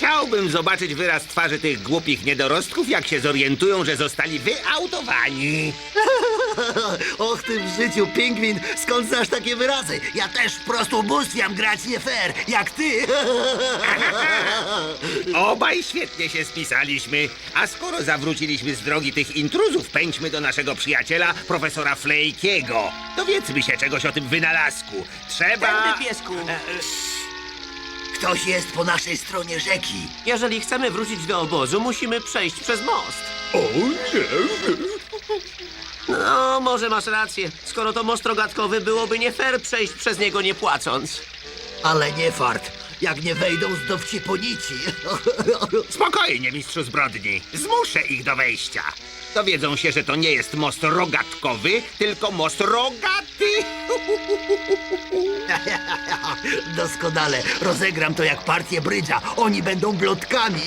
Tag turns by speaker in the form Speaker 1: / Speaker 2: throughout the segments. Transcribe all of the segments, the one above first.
Speaker 1: Chciałbym zobaczyć wyraz twarzy tych głupich niedorostków, jak się zorientują, że zostali wyautowani.
Speaker 2: Och ty w życiu, pingwin, skąd znasz takie wyrazy? Ja też po prostu ubóstwiam grać nie fair, jak ty.
Speaker 1: Obaj świetnie się spisaliśmy. A skoro zawróciliśmy z drogi tych intruzów, pędźmy do naszego przyjaciela, profesora Flejkiego. Dowiedzmy się czegoś o tym wynalazku. Trzeba...
Speaker 3: Tędy, piesku.
Speaker 2: Ktoś jest po naszej stronie rzeki.
Speaker 3: Jeżeli chcemy wrócić do obozu, musimy przejść przez most.
Speaker 1: O nie!
Speaker 3: No, może masz rację. Skoro to most rogatkowy, byłoby nie fair przejść przez niego nie płacąc.
Speaker 2: Ale nie fart, jak nie wejdą z dowcipu nici.
Speaker 1: Spokojnie, mistrzu zbrodni. Zmuszę ich do wejścia. Dowiedzą się, że to nie jest most rogatkowy, tylko most rogaty.
Speaker 2: Doskonale, rozegram to jak partię brydża. Oni będą blotkami.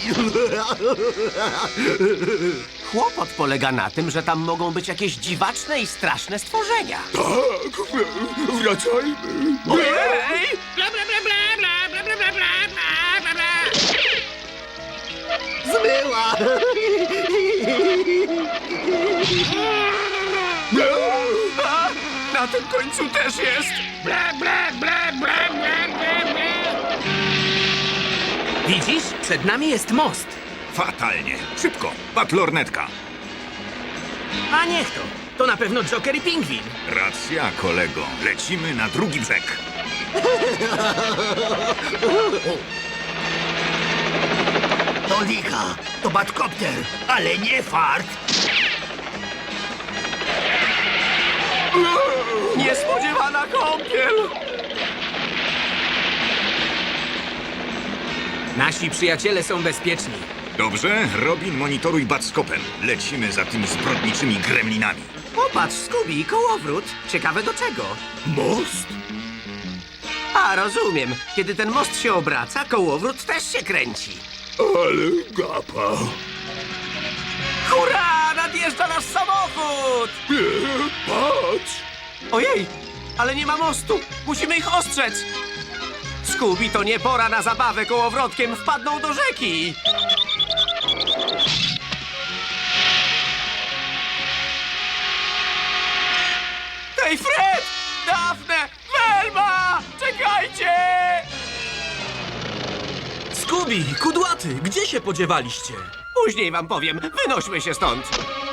Speaker 3: Kłopot polega na tym, że tam mogą być jakieś dziwaczne i straszne stworzenia.
Speaker 1: Tak, wracajmy.
Speaker 3: Ojej!
Speaker 1: Bla, bla, bla, bla, bla, bla, bla, bla, bla, bla, bla.
Speaker 2: Zmyła.
Speaker 3: A, na tym końcu też jest.
Speaker 1: Bla, bla, bla, bla, bla, bla, bla.
Speaker 4: Widzisz? Przed nami jest most.
Speaker 5: Fatalnie. Szybko. Batlornetka.
Speaker 4: A niech to. To na pewno Joker i Pingwin.
Speaker 5: Racja, kolego. Lecimy na drugi brzeg.
Speaker 2: To licha, to batkopter, ale nie fart.
Speaker 3: Niespodziewana kąpiel.
Speaker 4: Nasi przyjaciele są bezpieczni.
Speaker 5: Dobrze, Robin, monitoruj batskopem. Lecimy za tymi zbrodniczymi gremlinami.
Speaker 3: Popatrz, Scooby, kołowrót. Ciekawe do czego.
Speaker 2: Most?
Speaker 3: A, rozumiem. Kiedy ten most się obraca, kołowrót też się kręci.
Speaker 1: Ale gapa.
Speaker 3: Hurra! Nadjeżdża nasz samochód!
Speaker 1: Patrz.
Speaker 3: Ojej, ale nie ma mostu. Musimy ich ostrzec. Scooby, to nie pora na zabawę kołowrotkiem. Wpadną do rzeki. Hej, Fred! Daphne! Velma! Czekajcie!
Speaker 4: Scooby, kudłaty, gdzie się podziewaliście?
Speaker 3: Później wam powiem. Wynośmy się stąd.